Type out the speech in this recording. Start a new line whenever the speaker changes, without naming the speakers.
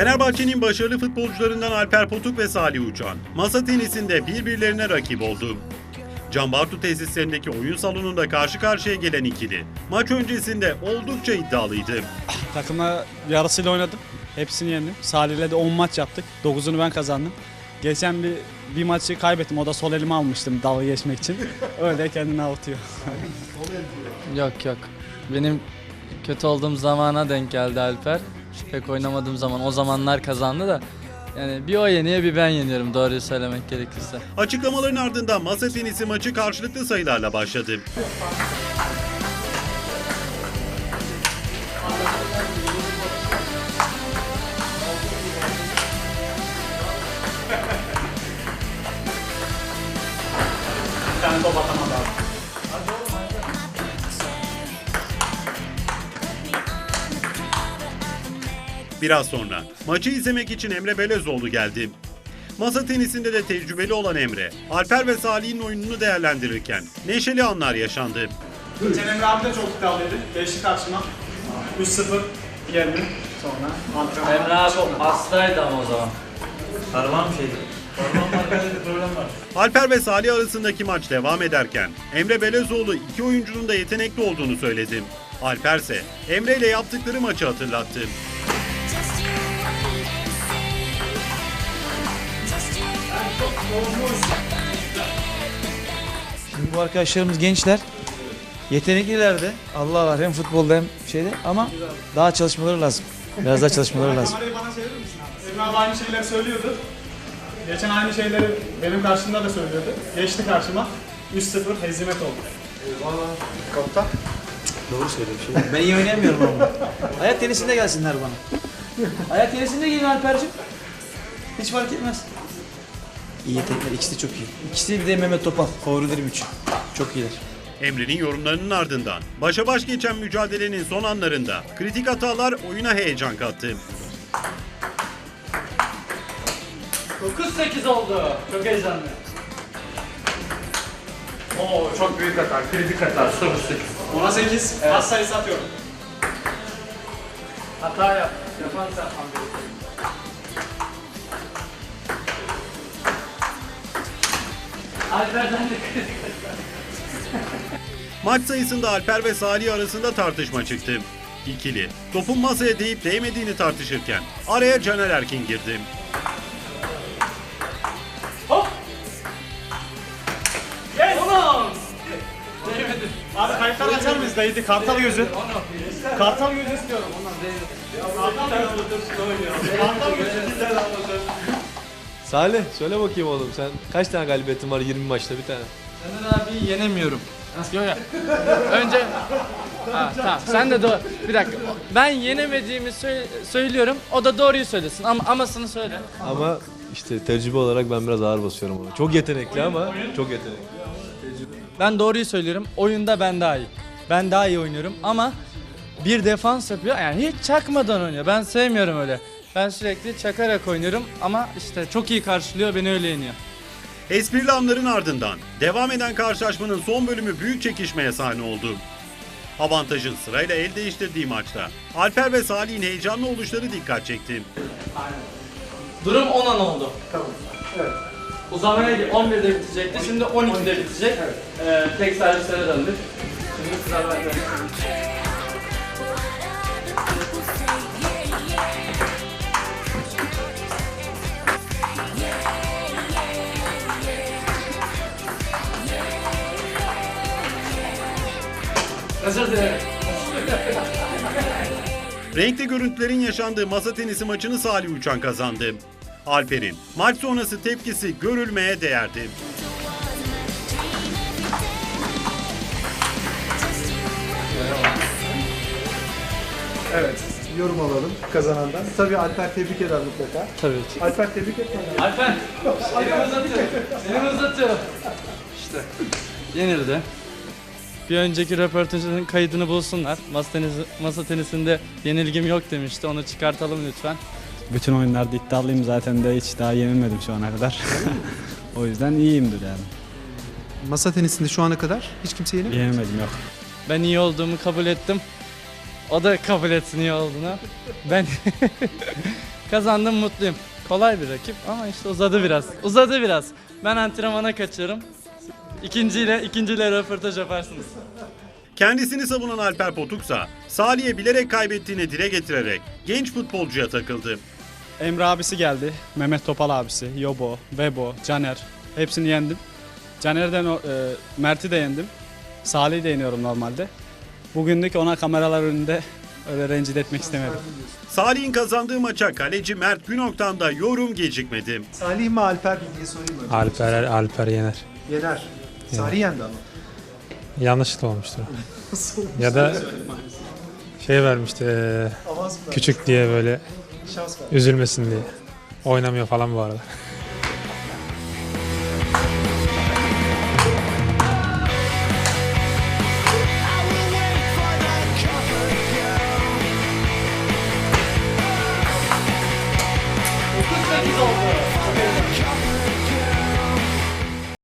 Fenerbahçe'nin başarılı futbolcularından Alper Potuk ve Salih Uçan, masa tenisinde birbirlerine rakip oldu. Can Bartu tesislerindeki oyun salonunda karşı karşıya gelen ikili, maç öncesinde oldukça iddialıydı.
Takımla yarısıyla oynadım. Hepsini yendim. Salih'le de 10 maç yaptık. 9'unu ben kazandım. Geçen bir maçı kaybettim. O da sol elime almıştım dalga geçmek için. Öyle kendini avutuyor.
Yok. Benim kötü olduğum zamana denk geldi Alper. Pek oynamadığım zaman o zamanlar kazandı da. Yani bir o yeniyor bir ben yeniyorum doğruyu söylemek gerekirse.
Açıklamaların ardından masa tenisi maçı karşılıklı sayılarla başladı.
Sen top atamadı abi.
Biraz sonra maçı izlemek için Emre Belezoğlu geldi. Masa tenisinde de tecrübeli olan Emre, Alper ve Salih'in oyununu değerlendirirken neşeli anlar yaşandı.
Geçen Emre abi de çok iddialıydı. Geçti karşıma. 3-0 yendim. Sonra antrenman.
Emre abi hastaydı ama o zaman.
Parmağım şeydi. Parmağım arkada bir problem var.
Alper ve Salih arasındaki maç devam ederken Emre Belezoğlu iki oyuncunun da yetenekli olduğunu söyledi. Alper ise Emre ile yaptıkları maçı hatırlattı.
Şimdi bu arkadaşlarımız gençler. Yetenekliler de. Allah var hem futbolda hem şeyde ama daha çalışmaları lazım. Biraz daha çalışmaları lazım.
Kamerayı bana çevirir misin abi? Emre abi aynı şeyleri söylüyordu. Geçen aynı şeyleri benim karşımda da söylüyordu. Geçti karşıma. 3-0 hezimet oldu. Kopta.
Doğru söylüyor bir şey. Ben iyi oynayamıyorum ama. Ayak tenisinde gelsinler bana. Ayak tenisinde gelin Alper'cim. Hiç fark etmez. İyi yetenekler. İkisi de çok iyi. İkisi bir de Mehmet Topal. Favorilerim için. Çok iyiler.
Emre'nin yorumlarının ardından başa baş geçen mücadelenin son anlarında kritik hatalar oyuna heyecan kattı.
9-8 oldu. Çok heyecanlı.
Oo çok büyük hata. Kritik hata. 10'a 8. Evet. Pas sayısı atıyorum.
Hata yap. Yapan sen gerekiyor. Alper'den de kritik.
Maç sayısında Alper ve Salih arasında tartışma çıktı. İkili topun masaya değip değmediğini tartışırken araya Caner Erkin girdi.
Hop! Yes!
Değmedi.
Abi kayıtları açar mıyız dayıydı? Kartal gözü. Kartal gözü istiyorum. Kartal gözü.
Salih söyle bakayım oğlum sen kaç tane galibiyetin var 20 maçta bir tane?
Caner abiyi yenemiyorum. Yok ya. Önce... Ha, tamam sen de doğru. Bir dakika. Ben yenemediğimi söylüyorum. O da doğruyu söylesin. Amasını söyle.
Ama işte tecrübe olarak ben biraz ağır basıyorum ona. Çok yetenekli ama çok yetenekli.
Ben doğruyu söylüyorum. Oyunda ben daha iyi. Ben daha iyi oynuyorum ama bir defans yapıyor. Yani hiç çakmadan oynuyor. Ben sevmiyorum öyle. Ben sürekli çakarak oynuyorum ama işte çok iyi karşılıyor, beni öyle yeniyor.
Esprili anların ardından devam eden karşılaşmanın son bölümü büyük çekişmeye sahne oldu. Avantajın sırayla el değiştirdiği maçta Alper ve Salih'in heyecanlı oluşları dikkat çekti.
Durum 10-10 oldu.
Tamam. Evet.
Uzamaya 11'de bitecekti. Şimdi 12'de bitecek. Tek servislere döndük. Şimdi sıra bende. Özür dilerim.
Renkli görüntülerin yaşandığı masa tenisi maçını Salih Uçan kazandı. Alper'in maç sonrası tepkisi görülmeye değerdi.
Evet, yorum alalım kazanandan. Tabii Alper tebrik eder mutlaka.
Tabii ki.
Alper tebrik etmeden.
Alper, elimi uzatıyorum. Elimi uzatıyorum. İşte, yenildi. Bir önceki röportajın kaydını bulsunlar. Masa tenisinde yenilgim yok demişti. Onu çıkartalım lütfen.
Bütün oyunlarda iddialıyım zaten de hiç daha yenilmedim şu ana kadar. O yüzden iyiyimdir yani.
Masa tenisinde şu ana kadar hiç kimse yenemedi.
Yenemedim yok.
Ben iyi olduğumu kabul ettim. O da kabul etsin iyi olduğunu. Ben kazandım, mutluyum. Kolay bir rakip ama işte uzadı biraz. Uzadı biraz. Ben antrenmana kaçıyorum. İkinciyle röportaj yaparsınız.
Kendisini savunan Alper Potuksa, Salih'e bilerek kaybettiğini dile getirerek genç futbolcuya takıldı.
Emre abisi geldi. Mehmet Topal abisi. Yobo, Bebo, Caner. Hepsini yendim. Caner'den Mert'i de yendim. Salih'i de yeniyorum normalde. Bugünlük ona kameralar önünde öyle rencide etmek istemedim.
Salih'in kazandığı maça kaleci Mert Günok'tan da yorum gecikmedi.
Salih mi Alper mi diye sorayım mı?
Alper yener.
Yener. Salih yendi ama.
Yanlışlıkla olmuştur. Ya da şey vermişti
Avans mı?
küçük diye böyle
Şans ver.
üzülmesin diye. Oynamıyor falan bu arada.
Oldu.